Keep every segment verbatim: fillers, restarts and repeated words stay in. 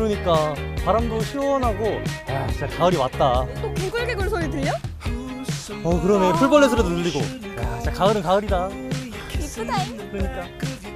그러니까 바람도 시원하고 야 진짜 가을이 왔다. 또 개굴개굴 소리 들려? 어 그러네. 풀벌레 소리도 들리고. 야 진짜 가을은 가을이다. 이쁘다잉. 그러니까.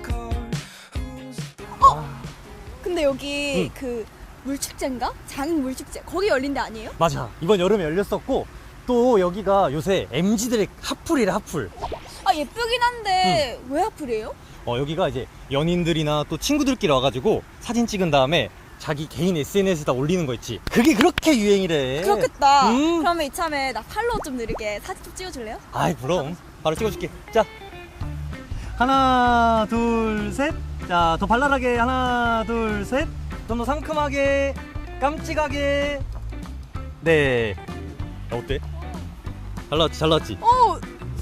근데 여기 응. 그 물축제인가? 장흥 물축제 거기 열린 데 아니에요? 맞아. 이번 여름에 열렸었고 또 여기가 요새 엠지들의 핫플이래 핫플. 아 예쁘긴 한데 왜 하플이에요? 어 여기가 이제 연인들이나 또 친구들끼리 와가지고 사진 찍은 다음에 자기 개인 에스엔에스에다 올리는 거 있지. 그게 그렇게 유행이래. 그렇겠다. 음. 그러면 이참에 나 팔로우 좀 느리게 사진 좀 찍어줄래요? 아이 그럼 바로 찍어줄게. 자 하나 둘 셋. 자 더 발랄하게 하나 둘 셋. 좀 더 상큼하게 깜찍하게. 네. 야, 어때? 잘 나왔지 잘 나왔지. 어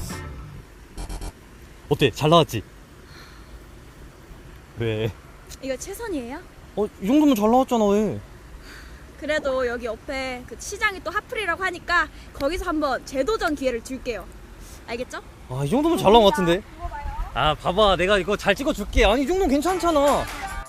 어때 잘 나왔지. 왜? 이거 최선이에요? 어 이 정도면 잘 나왔잖아 왜? 그래도 여기 옆에 그 시장이 또 핫플이라고 하니까 거기서 한번 재도전 기회를 줄게요. 알겠죠? 아 이 정도면 잘 나온 것 같은데. 아 봐봐 내가 이거 잘 찍어줄게. 아니 이 정도면 괜찮잖아.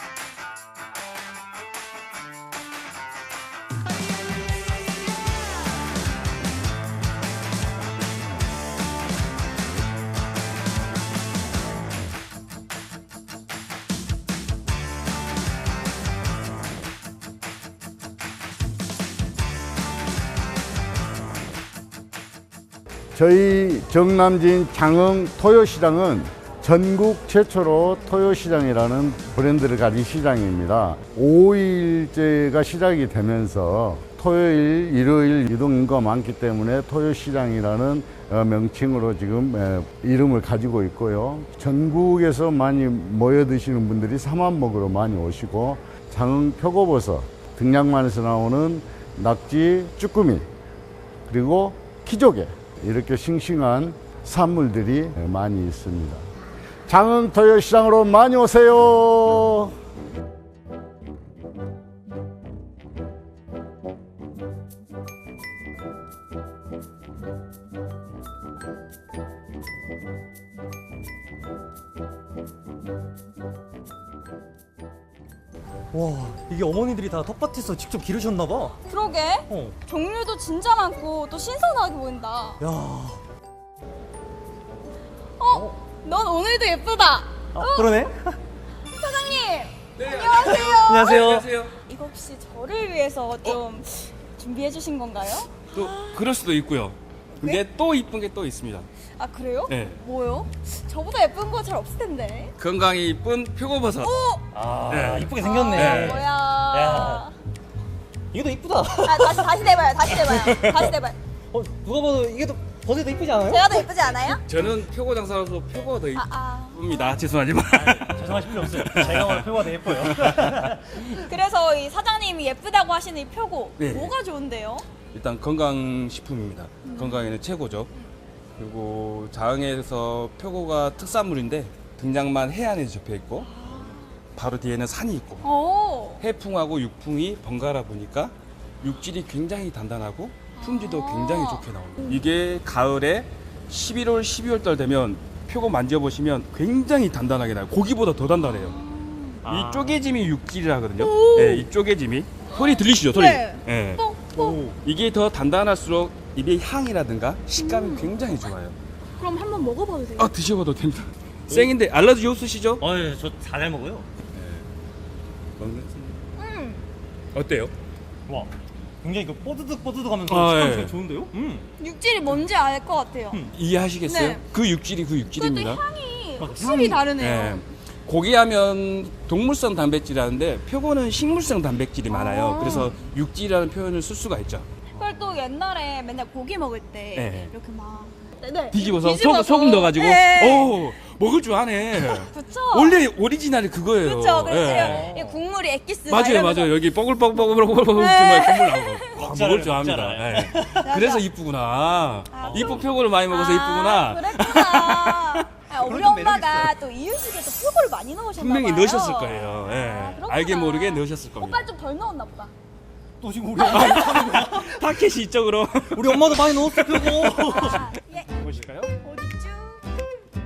저희 정남진 장흥 토요시장은 전국 최초로 토요시장이라는 브랜드를 가진 시장입니다. 오일제가 시작이 되면서 토요일, 일요일 유동인구가 많기 때문에 토요시장이라는 명칭으로 지금 이름을 가지고 있고요. 전국에서 많이 모여 드시는 분들이 삼합목으로 많이 오시고 장흥 표고버섯, 등량만에서 나오는 낙지, 쭈꾸미, 그리고 키조개 이렇게 싱싱한 산물들이 많이 있습니다. 장흥 토요시장으로 많이 오세요. 와 이게 어머니들이 다 텃밭에서 직접 기르셨나봐. 그러게. 어. 종류도 진짜 많고 또 신선하게 보인다. 야. 어? 넌 오늘도 예쁘다. 아, 그러네. 사장님. 네, 안녕하세요. 안녕하세요. 안녕하세요. 이거 혹시 저를 위해서 좀 준비해 주신 건가요? 또 그럴 수도 있고요. 근데 네? 또 이쁜 게 또 있습니다. 아 그래요? 네. 뭐요? 저보다 예쁜 거 잘 없을 텐데. 건강이 이쁜 표고버섯. 아 네. 이쁘게 생겼네. 네. 뭐야? 야. 이게 더 이쁘다. 아 다시 다시 내봐요. 다시 내봐요. 다시 내봐요. 어 누가 봐도 이게 더 버섯이 더 이쁘지 않아요? 제가 더 예쁘지 않아요? 저는 표고 장사로서 표고가 더 아 아. 이쁩니다. 죄송하지만. 죄송하실 필요 없어요. 제가 오늘 표가 더 예뻐요. 그래서 이 사장님이 예쁘다고 하시는 이 표고 네. 뭐가 좋은데요? 일단 건강식품입니다. 음. 건강에는 최고죠. 그리고 장흥에서 표고가 특산물인데 등량만 해안에 접해 있고 바로 뒤에는 산이 있고 오. 해풍하고 육풍이 번갈아 보니까 육질이 굉장히 단단하고 품질도 아. 굉장히 좋게 나옵니다. 이게 가을에 십일월, 십이월 달 되면 표고 만져보시면 굉장히 단단하게 나요. 고기보다 더 단단해요. 아. 이 쪼개짐이 육질이라거든요. 네, 이 쪼개짐이 소리 들리시죠? 소리. 네. 네. 뽕 뽕. 이게 더 단단할수록 입의 향이라든가 식감이 굉장히 좋아요. 그럼 한번 먹어봐도 돼요? 아 드셔봐도 됩니다. 생인데 알러지 없으시죠? 어예 저 잘 먹어요. 음. 어때요? 와 굉장히 그 뽀드득 뽀드득하면서 아, 식감이 예. 되게 좋은데요? 음. 육질이 뭔지 알 것 같아요. 음. 이해하시겠어요? 네. 그 육질이 그 근데 육질입니다. 향이 막 확실히 향이- 다르네요. 네. 고기하면 동물성 단백질이라는데 표고는 식물성 단백질이 많아요. 아. 그래서 육질이라는 표현을 쓸 수가 있죠. 그걸 또 옛날에 맨날 고기 먹을 때 네. 이렇게 막 네, 네. 뒤집어서, 뒤집어서. 소금, 소금 넣어가지고 네. 오 먹을 줄 아네. 그쵸? 원래 오리지널이 그거예요. 그쵸? 그쵸? 예. 이 국물이 엑기스 막 맞아요, 이러면서. 맞아요. 여기 뽀글뽀글뽀글뽀글 네. 국물 나오고 아, 먹을 줄 압니다. 먹잖아요. 예. 그래서 이쁘구나. 아, 이쁜 표고를 많이 먹어서 이쁘구나. 아, 그랬구나. 아, 우리 그런 좀 엄마가 또 이유식에 또 표고를 많이 넣으셨나 분명히 봐요. 넣으셨을 거예요. 예. 아, 그렇구나. 알게 모르게 넣으셨을 겁니다. 오빠 좀 덜 넣었나 보다. 또 지금 우리 엄마 타켓이 이쪽으로 우리 엄마도 많이 넣었어 표고. 아, 예. 보실까요? 어디죠? 표고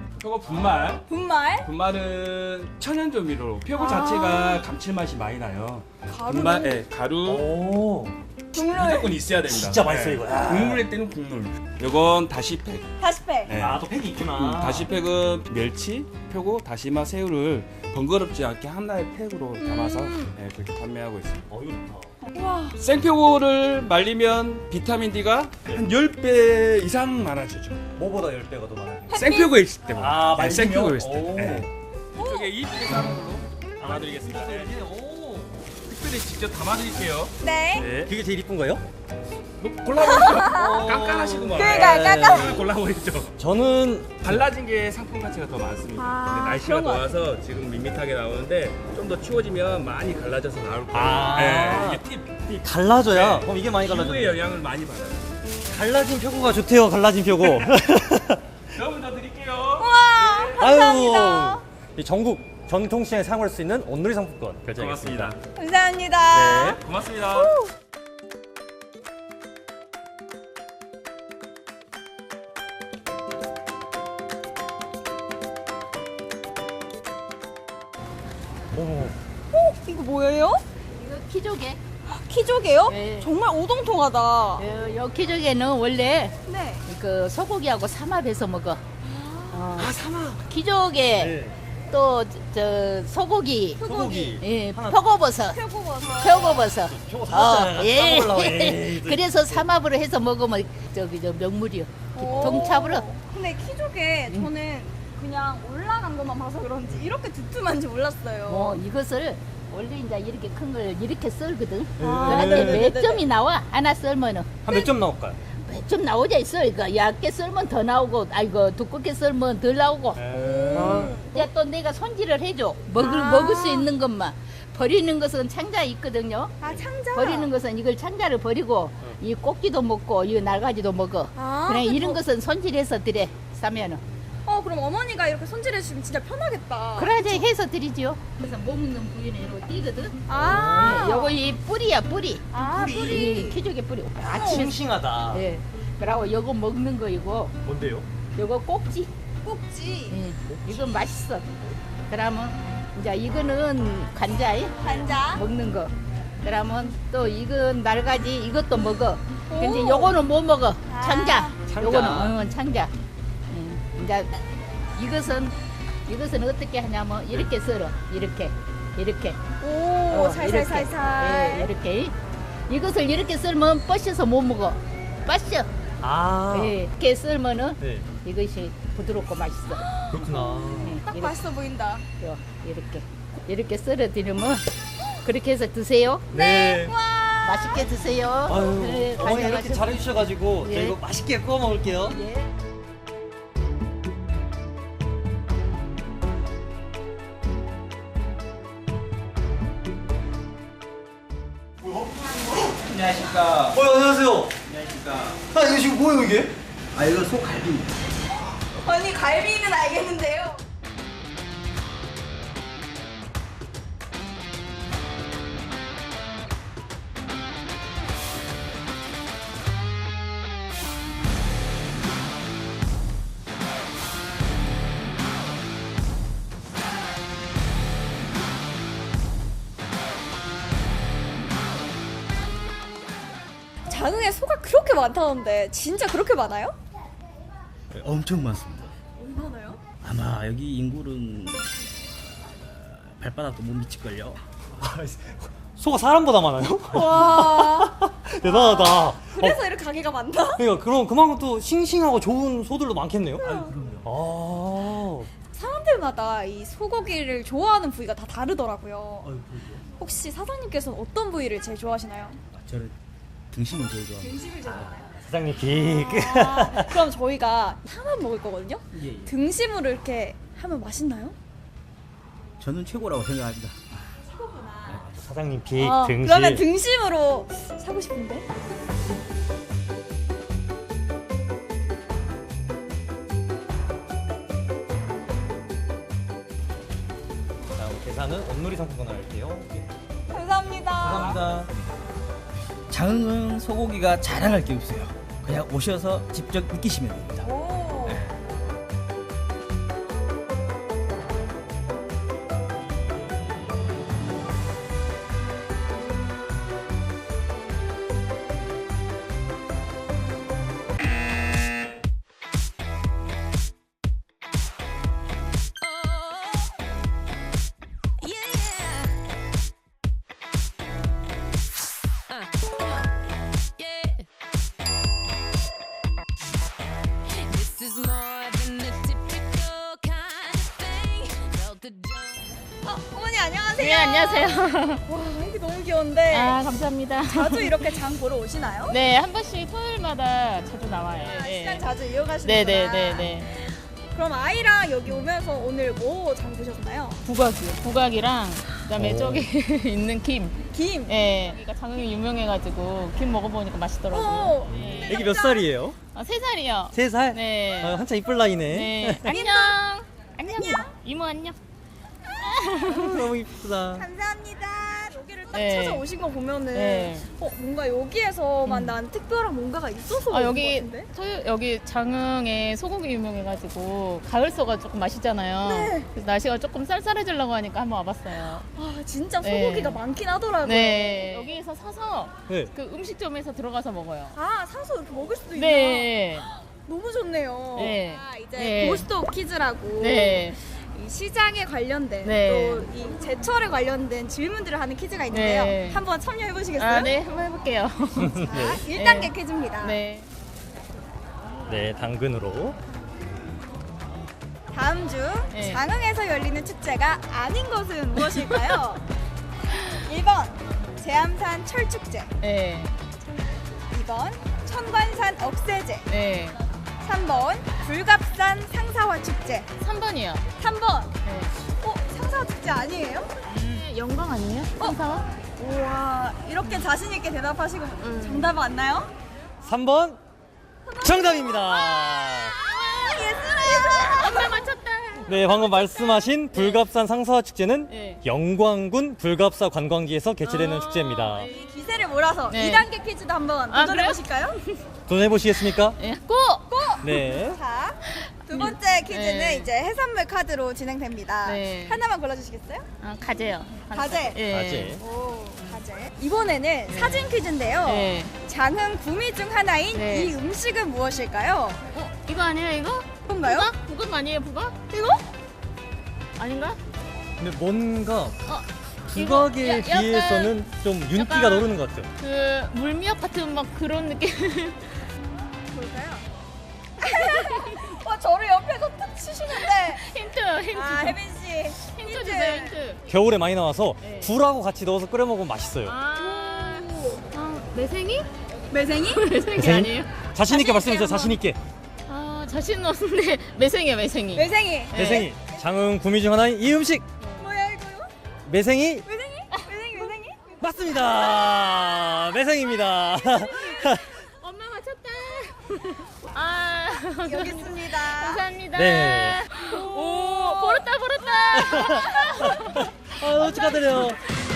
분말. 분말? 분말은 천연 조미료. 표고 자체가 감칠맛이 많이 나요. 가루는? 분말, 예, 가루 오. 국물. 무조건 있어야 됩니다. 진짜 맛있어, 예. 이거. 야. 국물일 때는 국물. 요건 다시팩. 다시팩. 예. 아, 또 팩이 있구나. 음, 다시팩은 멸치, 표고, 다시마, 새우를 번거롭지 않게 하나의 팩으로 담아서 음. 예, 그렇게 판매하고 있습니다. 어, 이거 좋다. 우와. 생표고를 말리면 비타민 D가 한 십 배 이상 많아지죠. 뭐보다 십 배가 더 많아요? 생표고에 있을 때만. 아, 네, 말리면? 생표고에 있을 오. 때. 네. 이쪽에 이쁘게 삶은 걸로 담아드리겠습니다. 오. 특별히 직접 담아드릴게요. 네. 네. 그게 제일 이쁜 거예요? 골라보시죠. 깐깐하시구만. 그러니까 네. 깐깐. 골라보시죠. 저는 달라진 게 상품 가치가 더 많습니다. 아, 근데 날씨가 그런 것 더워서 지금 밋밋하게 나오는데 좀 더 추워지면 많이 갈라져서 나올 거예요. 아. 네, 이게 팁. 갈라져야. 네. 그럼 이게 많이 피부에 갈라져요. 영향을 많이 받아요. 갈라진 표고가 좋대요. 갈라진 표고. 여러분 더 드릴게요. 우와. 감사합니다. 아유. 이 전국 전통시장에 사용할 수 있는 온누리 상품권 결정하겠습니다. 고맙습니다. 감사합니다. 네. 고맙습니다. 오. 이거 뭐예요? 이거 키조개. 키조개요? 네. 정말 오동통하다. 어, 요 키조개는 원래 네. 그 소고기하고 삼합해서 먹어. 어, 아, 사막. 키조개 네. 또 저 소고기, 소고기. 예, 하나. 표고버섯, 표고버섯. 표고버섯. 표고 어, 사왔잖아요. 예. 까먹으려고. 에이, 그래서 삼합으로 해서 먹으면 저기 저 명물이요. 오. 동차브로. 근데 키조개 음. 저는 그냥 올라간 것만 봐서 그런지 이렇게 두툼한지 몰랐어요. 뭐 이것을 원래 이제 이렇게 큰 걸 이렇게 썰거든. 아, 그런데 네네네네. 몇 점이 나와? 하나 썰면은. 한 몇 점 나올까요? 좀 나오자 있어. 그러니까 얇게 썰면 더 나오고, 아이고 두껍게 썰면 덜 나오고. 음. 이제 또 내가 손질을 해줘. 먹을 아. 먹을 수 있는 것만. 버리는 것은 창자에 있거든요. 아 창자. 버리는 것은 이걸 창자를 버리고 이 꼭지도 먹고 이 날가지도 먹어. 아, 그래 그래도- 이런 것은 손질해서 드려 싸면은. 어 그럼 어머니가 이렇게 손질해 주시면 진짜 편하겠다. 그래야지 해서 드리지요. 그래서 먹는 부위는 이렇게 띄거든. 아. 네, 요거 이 뿌리야 뿌리. 아 이 뿌리. 키조개 뿌리. 아, 싱싱하다. 예. 그리고 요거 먹는 거이고 뭔데요? 요거 꼭지. 꼭지. 예. 이건 맛있어. 그러면 이제 이거는 관자에 간자. 먹는 거. 그러면 또 이건 날가지 이것도 먹어. 근데 오. 요거는 못 먹어. 아. 창자. 창자. 요거는 어, 창자. 예. 이제 이것은 이것은 어떻게 하냐면 이렇게 썰어. 이렇게. 이렇게. 오 어, 살살살살. 이렇게. 예, 이렇게. 이것을 이렇게 썰면 뻗셔서 못 먹어. 뻗셔. 아. 예. 이렇게 썰면은 네. 이것이 부드럽고 맛있어. 그렇구나. 예, 딱 이렇게. 맛있어 보인다. 요, 이렇게 이렇게 썰어 드리면 그렇게 해서 드세요. 네. 와. 맛있게 드세요. 아유, 네, 어머니 이렇게 가져가시고. 잘해주셔가지고 예. 저 이거 맛있게 구워 먹을게요. 예. 안녕하십니까. 어, 안녕하세요. 안녕하십니까. 아, 이거 지금 뭐예요, 이게? 아, 이거 소갈비입니다. 아니 갈비는 알겠는데요. 장흥에 소가 그렇게 많다는데 진짜 그렇게 많아요? 네, 엄청 많습니다. 얼마나요? 아마 여기 인구는 어, 발바닥도 못 미칠걸요. 소가 사람보다 많아요? 와. 대단하다. 그래서 어, 이렇게 가게가 많나? 그러니까 그럼 그만큼 또 싱싱하고 좋은 소들도 많겠네요. 아유, 그럼요. 아. 사람들마다 이 소고기를 좋아하는 부위가 다 다르더라고요. 아유, 그럼요. 혹시 사장님께서는 어떤 부위를 제일 좋아하시나요? 아, 저는 등심을 제일 좋아합니다. 등심을 제일 좋아해요. 사장님 빅. 아, 그럼 저희가 하나 먹을 거거든요. 예, 예. 등심으로 이렇게 하면 맛있나요? 저는 최고라고 생각합니다. 사장님 빅 아, 등심. 그러면 등심으로 사고 싶은데. 다음 계산은 온누리 상품권 할게요. 감사합니다. 감사합니다. 장흥은 소고기가 자랑할 게 없어요. 그냥 오셔서 직접 느끼시면 됩니다. 오. 안녕하세요. 네, 안녕하세요. 와, 이게 너무 귀여운데. 아, 감사합니다. 자주 이렇게 장 보러 오시나요? 네, 한 번씩 토요일마다 자주 나와요. 아, 네. 시장 자주 이용하시는구나. 네, 네, 네, 네. 그럼 아이랑 여기 오면서 오늘 뭐 장 보셨나요? 부각이요. 부각이랑 그다음에 오. 저기 있는 김. 김. 예. 여기가 장흥이 유명해가지고 김 먹어보니까 맛있더라고요. 오. 네. 애기 몇 살이에요? 아, 세 살이요. 세 살? 네. 아, 한참 이쁠 나이네. 네. 안녕. 안녕. 이모 안녕. 너무 이쁘다. 감사합니다. 여기를 딱 네. 찾아오신 거 보면은 네. 어, 뭔가 여기에서만 음. 난 특별한 뭔가가 있어서 아, 오신 여기 것 같은데? 토요 여기 장흥에 소고기 유명해가지고 가을소가 조금 맛있잖아요. 네. 그래서 날씨가 조금 쌀쌀해지려고 하니까 한번 와봤어요. 아 진짜 네. 소고기가 많긴 하더라고요. 네. 여기에서 사서 네. 그 음식점에서 들어가서 먹어요. 아 사서 이렇게 먹을 수도 있나? 네. 너무 좋네요. 네. 아, 이제 네. 고스톱 퀴즈라고 네. 이 시장에 관련된 네. 또 이 제철에 관련된 질문들을 하는 퀴즈가 있는데요. 네. 한번 참여해 보시겠어요? 아, 네. 한번 해볼게요. 자, 일 단계 네. 퀴즈입니다. 네. 네, 당근으로. 다음 중 네. 장흥에서 열리는 축제가 아닌 것은 무엇일까요? 일 번 제암산 철축제, 네. 이 번 천관산 억새제, 네. 삼 번 불갑산 상사화 축제, 삼 번이요. 삼 번 네. 어? 상사화 축제 아니에요? 음, 영광 아니에요? 상사와? 우와 이렇게 자신 있게 대답하시고 음. 정답 맞나요? 삼 번 정답입니다. 아, 예술이야. 엄마 맞췄다. 네, 방금 말씀하신 불갑산 상사화 축제는 네. 영광군 불갑사 관광지에서 개최되는 아, 축제입니다. 네. 이 기세를 몰아서 네. 이 단계 퀴즈도 한번 아, 도전해 보실까요? 도전해 보시겠습니까? 네. 고! 고! 네. 자, 두 번째 퀴즈는 네. 이제 해산물 카드로 진행됩니다. 네. 하나만 골라주시겠어요? 아, 가재요. 가재. 예. 가재. 오, 가재. 이번에는 사진 퀴즈인데요. 네. 장흥 구미 중 하나인 네. 이 음식은 무엇일까요? 어, 이거 아니에요, 이거? 뭔가요? 부각? 부각 아니에요, 부각? 이거? 아닌가? 근데 뭔가 어, 부각에 이거 야- 약간 비해서는 좀 윤기가 약간- 노르는 것 같죠. 그 물미역 같은 막 그런 느낌. 뭘까요? 와, 저를 옆에서 툭 치시는데. 힌트, 힌트. 아, 혜빈 씨. 힌트 주세요, 힌트. 겨울에 많이 나와서 네. 굴하고 같이 넣어서 끓여 먹으면 맛있어요. 아, 아 매생이? 매생이? 매생이 매생이? 아니에요? 자신 있게 자신 말씀해 주세요. 있게 자신 있게. 아, 자신 없는데 매생이야, 매생이. 매생이. 네. 매생이. 장흥 구미 중 하나인 이 음식 뭐야, 이거요? 매생이 매생이? 매생이, 매생이? 맞습니다. 매생입니다. 엄마 맞췄다. 아, 여기 있습니다. 감사합니다. 네. 오, 벌었다, 벌었다. 아, 축하드려요.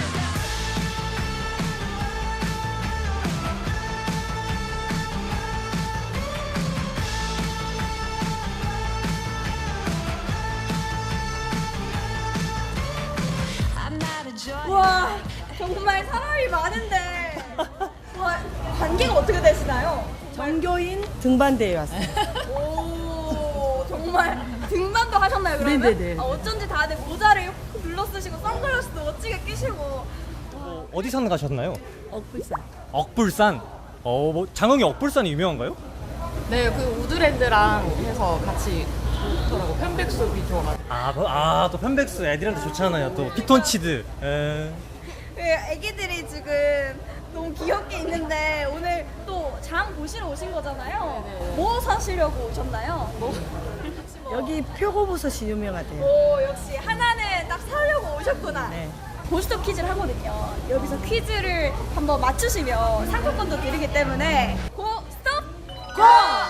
와, 정말 사람이 많은데. 와, 관계가 어떻게 되시나요? 전교인 등반대에 왔어요. 오, 정말 등반도 하셨나요, 그러면? 네네네. 아, 어쩐지 다들 모자를 훅 눌러 쓰시고 선글라스도 멋지게 끼시고. 어, 어디 산 가셨나요? 억불산. 억불산. 어, 뭐 장흥이 억불산이 유명한가요? 네, 그 우드랜드랑 해서 같이 좋더라고. 편백숲이 좋아가지고. 아, 그- 아, 또 편백수 애들한테 좋잖아요. 또 피톤치드. 에. 그 애기들이 지금 너무 귀엽게 있는데 오늘 또 장 보시러 오신 거잖아요. 뭐 사시려고 오셨나요? 여기 표고버섯이 유명하대요. 오, 역시 하나는 딱 사려고 오셨구나. 네. 고스톱 퀴즈를 하거든요. 여기서 퀴즈를 한번 맞추시면 상품권도 드리기 때문에 고스톱 고!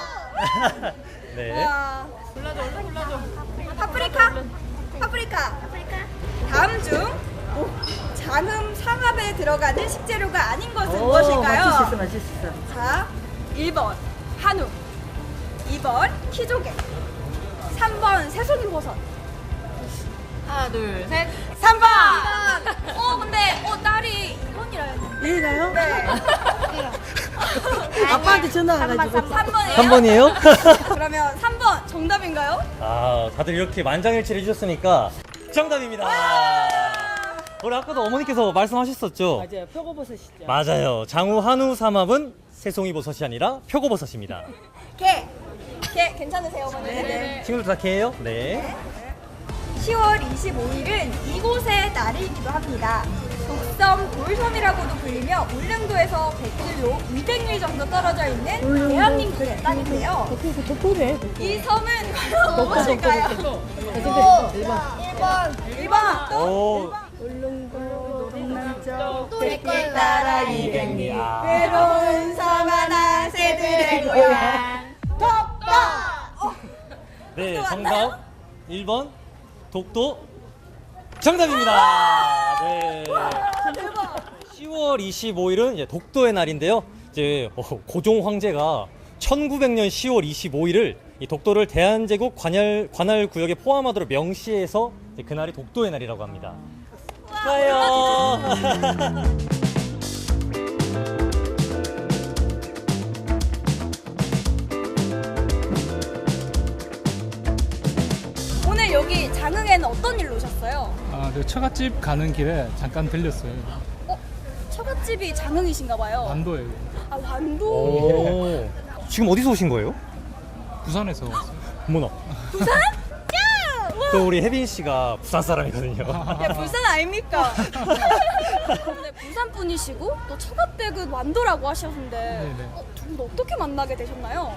네. 와. 골라줘, 얼른 골라줘. 파프리카? 파프리카. 다음 중 오, 장음 상압에 들어가는 식재료가 아닌 것은 무엇일까요? 맞출 수 있어, 맞출 수 있어. 자, 일 번 한우, 이 번 키조개, 삼 번 새송이버섯. 하나, 둘, 셋. 삼 번! 어, 근데, 어, 딸이 이 번이라 했는데. 얘가요? 네. 아빠한테 전화 와가지고. 삼 번이에요? 삼 번이에요? 그러면 삼 번 정답인가요? 아, 다들 이렇게 만장일치를 해주셨으니까 정답입니다. 우리 아까도 어머니께서 말씀하셨었죠? 맞아요, 표고버섯이죠. 맞아요. 장우 한우 삼합은 새송이 버섯이 아니라 표고버섯입니다. 개. 개 괜찮으세요, 어머니? 네네. 친구들 다 개예요? 네. 시월 이십오일은 이곳의 날이기도 합니다. 독섬 돌섬이라고도 불리며 울릉도에서 백 킬로미터, 이백 리 정도 떨어져 있는 대한민국의 땅인데요. 이 섬은 과연 무엇일까요? 일 번, 일 번, 오. 길 따라 이백 리 외로운 섬 하나 새들의 고향 독도. 네, 독도 정답 맞나요? 일 번 독도 정답입니다. 네. 시월 이십오일은 이제 독도의 날인데요. 이제 어, 고종 황제가 천구백 년 시월 이십오일을 이 독도를 대한제국 관할 관할 구역에 포함하도록 명시해서 이제 그날이 독도의 날이라고 합니다. 좋아요. 오늘 여기 장흥에는 어떤 일로 오셨어요? 아, 그 처갓집 가는 길에 잠깐 들렸어요. 어? 처갓집이 장흥이신가 봐요. 완도예요. 아, 완도. 오. 지금 어디서 오신 거예요? 부산에서 왔어요. 어머나. 부산? 야! 우와. 또 우리 혜빈 씨가 부산 사람이거든요. 야, 부산 아닙니까? 근데 부산 분이시고 또 처갓댁은 완도라고 하셨는데 네네. 어, 두 분 어떻게 만나게 되셨나요?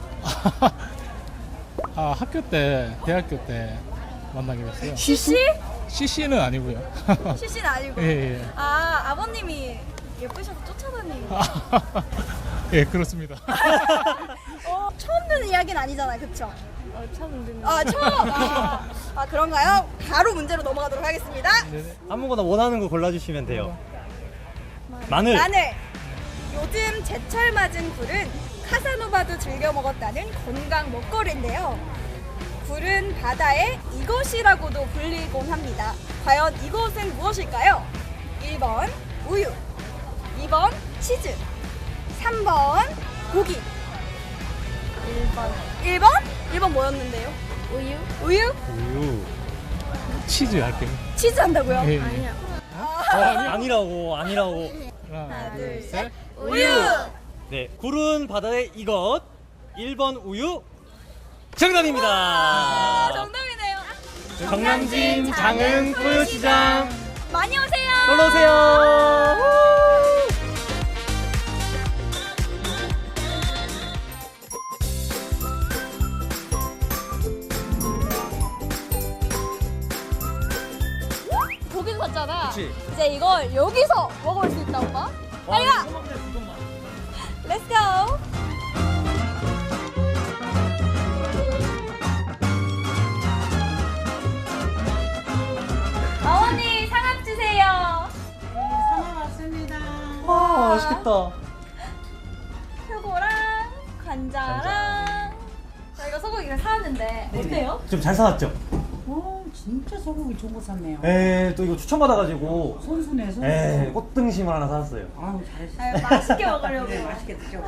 아, 학교 때, 대학교 때 만나게 됐어요. 씨씨? 씨씨는 아니고요. 씨씨는 아니고. 예, 예. 아, 아버님이 예쁘셔서 쫓아다니는. 예, 그렇습니다. 어, 처음 듣는 이야기는 아니잖아요, 그쵸? 어, 처음 듣는. 아, 처음? 아, 아, 그런가요? 바로 문제로 넘어가도록 하겠습니다. 네네. 아무거나 원하는 거 골라주시면 돼요. 마늘. 마늘. 요즘 제철 맞은 굴은 카사노바도 즐겨 먹었다는 건강 먹거리인데요. 굴은 바다의 이것이라고도 불리곤 합니다. 과연 이것은 무엇일까요? 일 번 우유, 이 번 치즈, 삼 번 고기. 일 번. 일 번? 일 번 뭐였는데요? 우유. 우유? 우유. 치즈 할게요. 치즈 한다고요? 예, 예. 어, 아니라고, 아니라고. 하나, 둘, 셋. 우유. 네, 굴은 바다의 이것. 일 번 우유. 정답입니다. 아, 정답이네요. 정남진 장흥 토요시장. 많이 오세요. 놀러 오세요. 고기도 샀잖아. 그치. 이제 이걸 여기서 먹을 수 있다, 오빠. 빨리 가. 렛츠 고. 어머니 상합 주세요. 상어 왔습니다. 와, 맛있겠다. 표고랑 관자랑 저희가 소고기를 사왔는데 어때요? 좀 잘 사왔죠? 오, 진짜 소고기 좋은 거 샀네요. 에, 또 이거 추천받아가지고. 손수네, 손수. 에, 꽃등심을 하나 사왔어요. 아우, 잘했어. 아유, 맛있게 먹으려고. 네, 맛있게 드셔.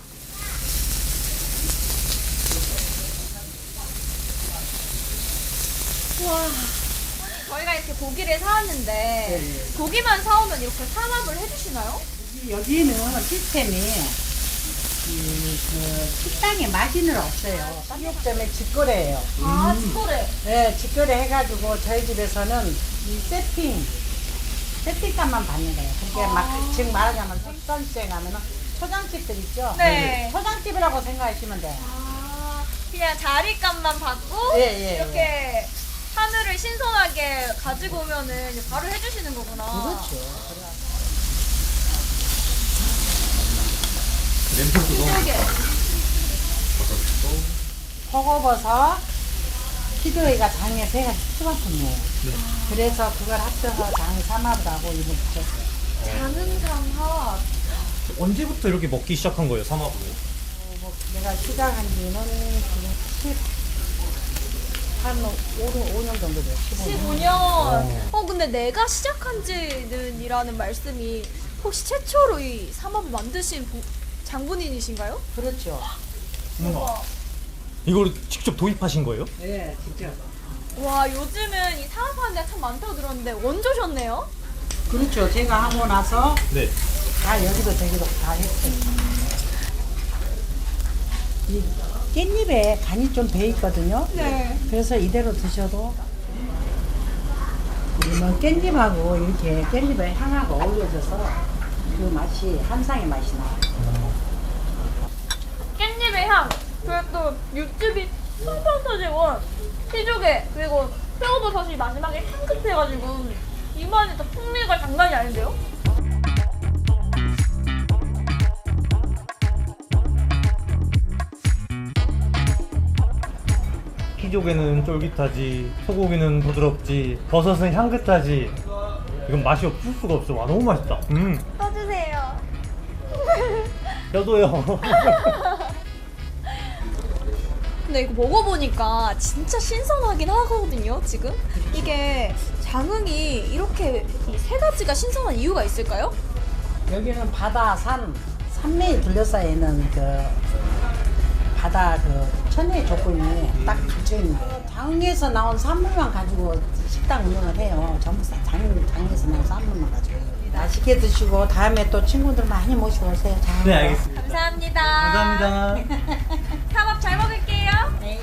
저희가 이렇게 고기를 사왔는데 네. 고기만 사오면 이렇게 산업을 해주시나요? 여기는 시스템이 이, 그 식당에 마진은 없어요. 식육점에 직거래예요. 아, 직거래. 네, 직거래 해가지고 저희 집에서는 이 세팅, 세팅값만 받는 거예요. 그게 아. 막 지금 말하자면 숙선시장에 가면은 초장집들 있죠? 네. 초장집이라고 생각하시면 돼요. 아, 그냥 자리값만 받고 예, 예, 이렇게 한우를 신선하게 가지고 오면은 이제 바로 해주시는 거구나. 그렇죠. 신기하게. 표고버섯, 키도이가 장에 배가 수만큼이에요. 그래서 그걸 합쳐서 장 삼합이라고 이름 붙였어요. 장흥삼합. 언제부터 이렇게 먹기 시작한 거예요, 삼합을? 뭐 내가 시작한 지는 지금 십, 한 오 년 정도 돼요. 십오 년. 십오 년. 어, 근데 내가 시작한 지는 이라는 말씀이 혹시 최초로 이 삼합을 만드신 부- 장본인이신가요? 그렇죠. 우와. 이걸 직접 도입하신 거예요? 네, 직접. 와, 요즘은 이 사업하는 데가 참 많다고 들었는데 원조셨네요? 그렇죠. 제가 하고 나서 네. 다 여기도 저기도 다 했어요. 이 깻잎에 간이 좀 배 있거든요. 네. 그래서 이대로 드셔도 뭐 깻잎하고 이렇게 깻잎의 향하고 어우러져서 그 맛이 한상의 맛이 나요. 깻잎의 향, 그리고 또 육즙이 펑펑 터지고 피조개 그리고 표고버섯이 마지막에 향긋해가지고 입안에 또 풍미가 장난이 아닌데요? 피조개는 쫄깃하지, 소고기는 부드럽지, 버섯은 향긋하지. 이건 맛이 없을 수가 없어. 와, 너무 맛있다. 음, 떠주세요. 저도요. 근데 이거 먹어보니까 진짜 신선하긴 하거든요, 지금. 이게 장흥이 이렇게 이 세 가지가 신선한 이유가 있을까요? 여기는 바다, 산, 산맥이 둘러싸여 있는 그 바다 그 천혜의 조건이 딱 갖춰 있는 거예요. 장흥에서 나온 산물만 가지고 식당 운영을 해요. 전부 다 장, 장흥에서 나온 산물만 가지고. 맛있게 드시고 다음에 또 친구들 많이 모시고 오세요. 장흥. 네, 알겠습니다. 감사합니다. 감사합니다. 삼합 잘 먹을게요. 네.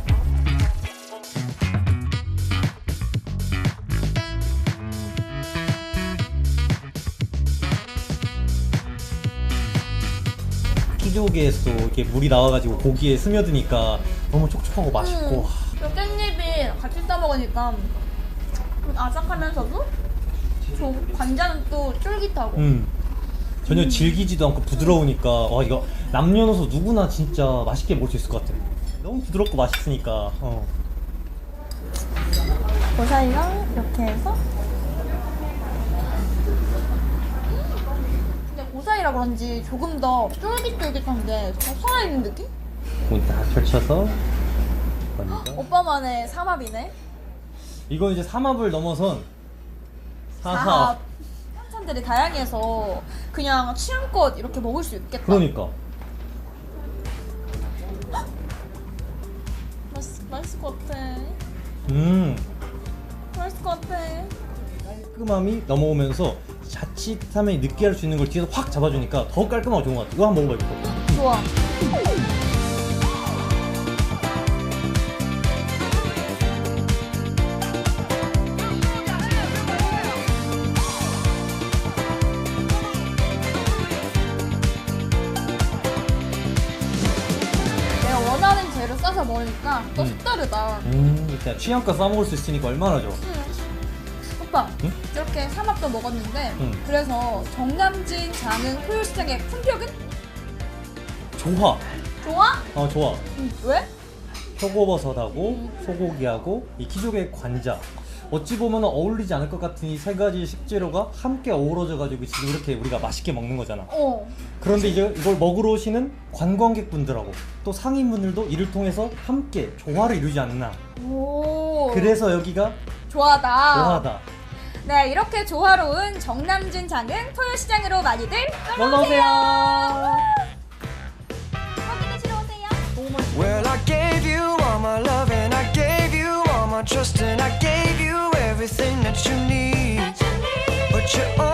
피조개에서 이렇게 물이 나와가지고 고기에 스며드니까 너무 촉촉하고 맛있고. 음, 또 깻잎이 같이 싸 먹으니까 좀 아삭하면서도 좀 관자는 또 쫄깃하고. 음. 전혀 질기지도 않고 부드러우니까 와, 이거 남녀노소 누구나 진짜 맛있게 먹을 수 있을 것 같아. 너무 부드럽고 맛있으니까. 어. 고사리랑 이렇게 해서. 근데 고사리라 그런지 조금 더 쫄깃쫄깃한데 더 살아있는 느낌? 문 딱 펼쳐서 먼저. 오빠만의 삼합이네. 이건 이제 삼합을 넘어선 사합. 사합. 한찬들이 다양해서 그냥 취향껏 이렇게 먹을 수 있겠다. 그러니까. 맛있, 맛있을 것 같아. 음. 맛있을 것 같아. 깔끔함이 넘어오면서 자칫하면 느끼할 수 있는 걸 뒤에서 확 잡아주니까 더 깔끔하고 좋은 것 같아. 이거 한번 먹어봐, 이거. 좋아. 내가 원하는 재료 싸서 먹으니까 또 음. 색다르다. 음, 일단 취향껏 싸먹을 수 있으니까 얼마나 좋아. 오빠, 응? 이렇게 삼합도 먹었는데 응. 그래서 정남진 장흥 토요시장의 품격은? 좋아. 좋아? 어, 좋아. 응. 왜? 표고버섯하고 소고기하고 이 키조개 관자. 어찌 보면 어울리지 않을 것 같은 이 세 가지 식재료가 함께 어우러져가지고 지금 이렇게 우리가 맛있게 먹는 거잖아. 어. 그런데 이제 이걸 먹으러 오시는 관광객분들하고 또 상인분들도 이를 통해서 함께 조화를 이루지 않나. 오. 그래서 여기가 좋아하다. 조화다. 네, 이렇게 조화로운 정남진 장흥 토요시장으로 많이들 놀러 오세요. 확인해 주러 오세요. Well, I gave you all my love and I gave you all my trust and I gave you everything that you need. But you